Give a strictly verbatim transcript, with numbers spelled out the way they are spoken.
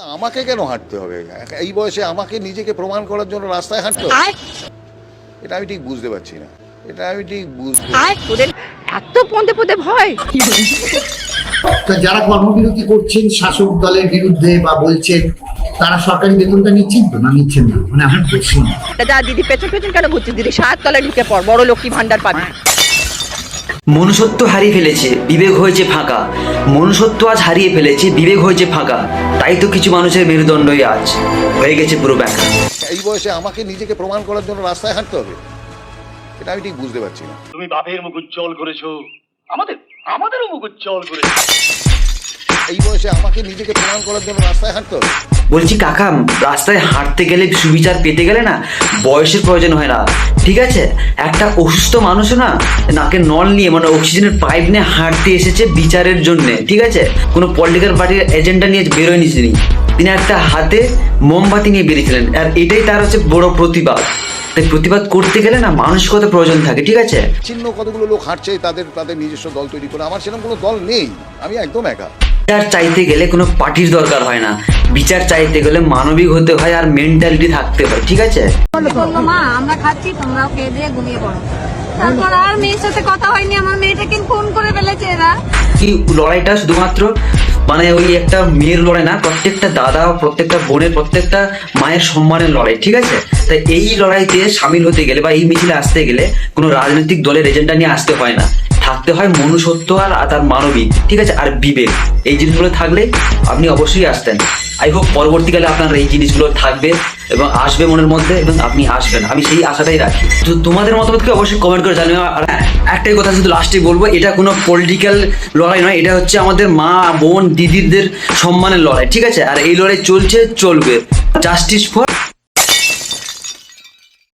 আমাকে কেন হাঁটতে হবে? এই বয়সে আমাকে নিজেকে প্রমাণ করার জন্য রাস্তায় হাঁটতে হবে? এটা আমি ঠিক বুঝতে পারছি না। এটা আমি ঠিক বুঝতে তোদের এত পদে পদে ভয়। যারা কর্মবিরতি করছেন শাসক দলের বিরুদ্ধে বা বলছেন, তারা সরকারি বেতনটা নিচ্ছেন তো না নিচ্ছেন না? মানে আমার প্রশ্ন। যা দিদি পেছন পেছন কেন ঘুরছিস দিদি? সাত তলায় ঢুকে পড়, বড় লক্ষ্মী ভান্ডার পাবি। মনুষ্যত্ব হারিয়ে ফেলেছে, বিবেক হয়েছে ফাঁকা। মনুষ্যত্ব আজ হারিয়ে ফেলেছে, বিবেক হয়েছে ফাঁকা। তাই তো কিছু মানুষের মেরুদণ্ডই আজ হয়ে গেছে পুরো ব্যাখ্যা। এই বয়সে আমাকে নিজেকে প্রমাণ করার জন্য রাস্তায় হাঁটতে হবে? এটা আমি ঠিক বুঝতে পারছি না। তুমি বাপের মুখ উজ্জ্বল করেছো, আমাদের আমাদেরও মুখ উজ্জ্বল করেছো। এই বয়সে আমাকে নিজেকে প্রমাণ করার জন্য রাস্তায় হাঁটতে হবে? বলছি কাকা, রাস্তায় হাঁটতে গেলে সুবিচার পেতে গেলে না বয়সের প্রয়োজন হয় না, ঠিক আছে? একটা অসুস্থ মানুষও না নাকে নল নিয়ে মানে অক্সিজেনের পাইপ নিয়ে হাঁটতে এসেছে বিচারের জন্য, ঠিক আছে? কোনো পলিটিক্যাল পার্টির এজেন্ডা নিয়ে বেরোয়নি তিনি। তিনি একটা হাতে মোমবাতি নিয়ে বেরিয়েছিলেন, আর এটাই তার হচ্ছে বড় প্রতিবাদ। তাই প্রতিবাদ করতে গেলে না মানসিকতা প্রয়োজন থাকে, ঠিক আছে? চিহ্ন কতগুলো লোক হাঁটছে, তাদের তাদের নিজস্ব দল তৈরি করে। আমার সেরকম কোনো দল নেই, আমি একদম একা। বিচার চাইতে গেলে কোনো পার্টির দরকার হয় না, বিচার চাইতে গেলে মানবিক হতে হয় আর মেন্টালিটি থাকতে হয়, ঠিক আছে? বললো মা আমরা খাচ্ছি, তোমরাও খেয়ে দিয়ে ঘুমিয়ে পড়ো। তারপর আর মেয়ের সাথে কথা হয়নি, আমার মেয়েটাকে ফোন করে ফেলেছে এরা। কি লড়াইটা শুধুমাত্র মানে ওই একটা মেয়ের লড়াই না, প্রত্যেকটা দাদা, প্রত্যেকটা বোনের, প্রত্যেকটা মায়ের সম্মানের লড়াই, ঠিক আছে? তাই এই লড়াইতে সামিল হতে গেলে বা এই মিছিলে আসতে গেলে কোনো রাজনৈতিক দলের এজেন্ডা নিয়ে আসতে হয় না, থাকতে হয় মনুষ্যত্ব আর তার মানবিক, ঠিক আছে? আর বিবেক, এই জিনিসগুলো থাকলে আপনি অবশ্যই আসতেন। আই হোপ পরবর্তীকালে আপনার এই জিনিসগুলো থাকবে এবং আসবে মনের মধ্যে, এবং আপনি আসবেন, আমি সেই আশাটাই রাখি। তো তোমাদের মতামতকে অবশ্যই কমেন্ট করে জানিও। আর হ্যাঁ, একটাই কথা শুধু লাস্টে বলবো, এটা কোনো পলিটিক্যাল লড়াই নয়, এটা হচ্ছে আমাদের মা বোন দিদিদের সম্মানের লড়াই, ঠিক আছে? আর এই লড়াই চলছে, চলবে। Justice for